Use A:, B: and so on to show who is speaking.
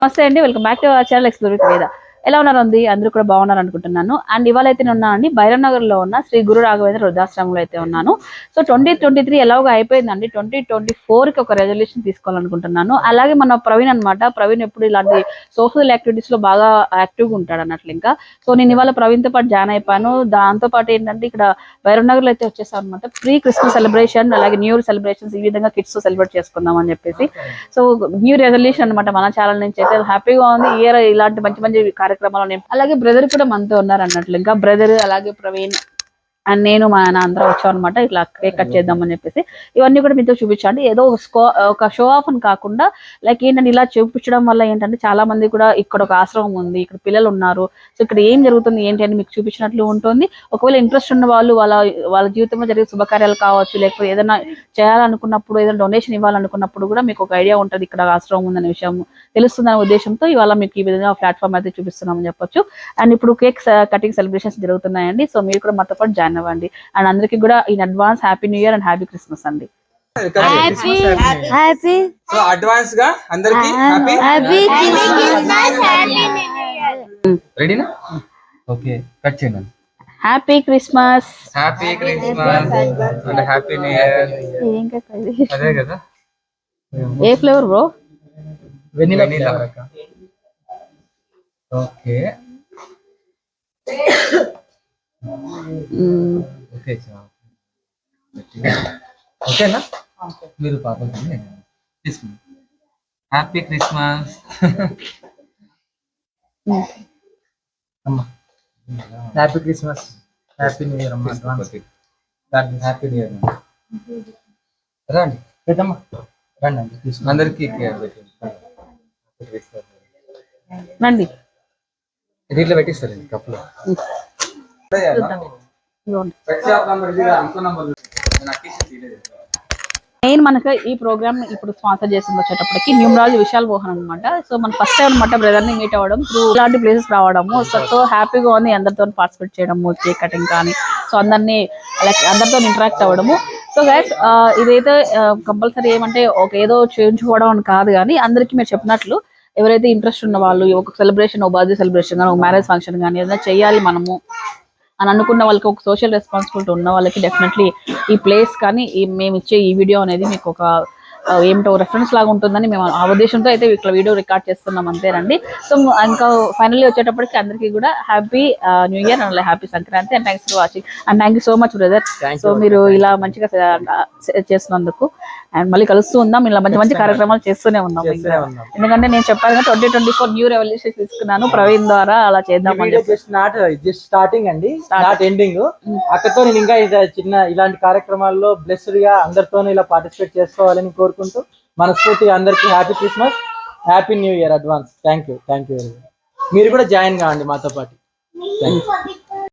A: నమస్తే అండి, welcome back to our channel explore with Veda. ఎలా ఉన్నారండి? అందరూ కూడా బాగున్నారు అనుకుంటున్నాను. అండ్ ఇవాళ అయితే నేను ఉన్నానండి భైరవ్ నగర్ లో ఉన్న శ్రీ గురు రాఘవేంద్ర వృద్ధాశ్రమంలో అయితే ఉన్నాను. సో 2023 ఎలాగో అయిపోయిందండి. 2024 కి ఒక రెజల్యూషన్ తీసుకోవాలనుకుంటున్నాను. అలాగే మన ప్రవీణ్ అనమాట. ప్రవీణ్ ఎప్పుడు ఇలాంటి సోషల్ యాక్టివిటీస్ లో బాగా యాక్టివ్ గా ఉంటాడు అన్నట్లు. ఇంకా సో నేను ఇవాళ ప్రవీణ్ తో పాటు జాయిన్ అయిపోయాను. దాంతో పాటు ఏంటంటే ఇక్కడ భైరవ్ నగర్ లో అయితే వచ్చేసాను అనమాట. ప్రీ క్రిస్మస్ సెలబ్రేషన్ అలాగే న్యూ ఇయర్ సెలబ్రేషన్స్ ఈ విధంగా కిడ్స్ తో సెలబ్రేట్ చేసుకుందాం అని చెప్పేసి. సో న్యూ రెజల్యూషన్ అనమాట మన ఛానల్ నుంచి అయితే హ్యాపీగా ఉంది. ఇయర్ ఇలాంటి మంచి మంచి కార్యక్రమాలు అలాగే బ్రదర్ కూడా మనతో ఉన్నారు అన్నట్లు. ఇంకా బ్రదర్ అలాగే ప్రవీణ్ అండ్ నేను మా ఆయన అందరం వచ్చాం అనమాట. ఇట్లా కేక్ కట్ చేద్దామని చెప్పేసి ఇవన్నీ కూడా మీతో చూపించండి. ఏదో ఒక షో ఆఫ్ అని కాకుండా లైక్ ఏంటంటే ఇలా చూపించడం వల్ల ఏంటంటే చాలా మంది కూడా ఇక్కడ ఒక ఆశ్రమం ఉంది, ఇక్కడ పిల్లలు ఉన్నారు, సో ఇక్కడ ఏం జరుగుతుంది ఏంటి అని మీకు చూపించినట్లు ఉంటుంది. ఒకవేళ ఇంట్రెస్ట్ ఉన్న వాళ్ళు వాళ్ళ జీవితంలో జరిగే శుభకార్యాలు కావచ్చు, లేకపోతే ఏదైనా చేయాలనుకున్నప్పుడు ఏదైనా డొనేషన్ ఇవ్వాలనుకున్నప్పుడు కూడా మీకు ఒక ఐడియా ఉంటుంది ఇక్కడ ఆశ్రమం ఉందనే విషయం తెలుస్తుందనే ఉద్దేశంతో ఇవాళ మీకు ఈ విధంగా ప్లాట్ఫామ్ అయితే చూపిస్తున్నామని చెప్పొచ్చు. అండ్ ఇప్పుడు కేక్ కటింగ్ సెలబ్రేషన్స్ జరుగుతున్నాయండి. సో మీరు కూడా మాతో పాటు జాయిన్ అవ్వండి. అండ్ అందరికీ కూడా in advance happy new year and happy Christmas అండి.
B: అడ్వాన్స్ గా అందరికి రెడీనా? ఓకే, కట్ చేయండి.
A: Happy Christmas,
B: happy Christmas and happy new year. అదే కదా,
A: ఏ flavour bro?
B: Vanilla. Okay okay ఓకేనా? మీరు పాపం తీసుకుని హ్యాపీ క్రిస్మస్ అమ్మా.
C: Happy Christmas, happy new year అమ్మా.
B: Happy new year. రండి
C: పెద్దమ్మా, రండి అండి తీసుకుని
B: అందరికి
A: రండి.
B: దీంట్లో పెట్టిస్తారు కప్పులో.
A: మెయిన్ మనకు ఈ ప్రోగ్రామ్ ఇప్పుడు స్పాన్సర్ చేసింది వచ్చేటప్పటికి న్యూమరాలజీ విశాల్ మోహన్ అనమాట. సో మన ఫస్ట్ టైం అనమాట బ్రదర్ ని మీట్ అవ్వడం, త్రూ ఇలాంటి ప్లేసెస్ రావడము. సో హ్యాపీగా ఉంది అందరితో పార్టిసిపేట్ చేయడము, కేక్ కటింగ్ కానీ, సో అందరితో ఇంటరాక్ట్ అవ్వడము. సో గైస్ ఇదైతే కంపల్సరీ ఏమంటే ఏదో చేయించుకోవడం అని కాదు, కానీ అందరికీ మీరు చెప్పినట్లు ఎవరైతే ఇంట్రెస్ట్ ఉన్న వాళ్ళు ఒక సెలబ్రేషన్, ఒక బర్త్డే సెలబ్రేషన్ కానీ, ఒక మ్యారేజ్ ఫంక్షన్ కానీ ఏదైనా చేయాలి మనము అని అనుకున్న వాళ్ళకి, ఒక సోషల్ రెస్పాన్సిబిలిటీ ఉన్న వాళ్ళకి డెఫినెట్లీ ఈ ప్లేస్ కానీ మేము ఇచ్చే ఈ వీడియో అనేది మీకు ఒక ఏమిటో రెఫరెన్స్ లాగా ఉంటుందని మేము ఆ ఉద్దేశంతో అయితే ఇట్లా వీడియో రికార్డ్ చేస్తున్నాం అంతేనండి. సో ఇంకా ఫైనల్లీ వచ్చేటప్పటికి అందరికీ కూడా happy new year and happy Sankranti and thanks for watching and thank you so much brother. So మీరు ఇలా మంచిగా చేస్తున్నందుకు అండ్ మళ్ళీ కలుస్తూ ఉందాం, ఇలా మంచి మంచి కార్యక్రమాలు చేస్తూనే ఉందాం. ఎందుకంటే నేను చెప్పాను 2024 న్యూ రెవల్యూషన్ తీసుకున్నాను ప్రవీణ్ ద్వారా, అలా చేద్దాం.
C: జస్ట్ స్టార్టింగ్ అండి, నాట్ ఎండింగ్. అక్కడతో నేను ఇంకా ఇలాంటి కార్యక్రమాల్లో బ్లెస్డ్ గా అందరితో ఇలా పార్టిసిపేట్ చేసుకోవాలని కోరుకుంటూ మనస్ఫూర్తిగా అందరికి happy Christmas, happy new year advance. Thank you. మీరు కూడా జాయిన్ కావండి మాతో పాటు.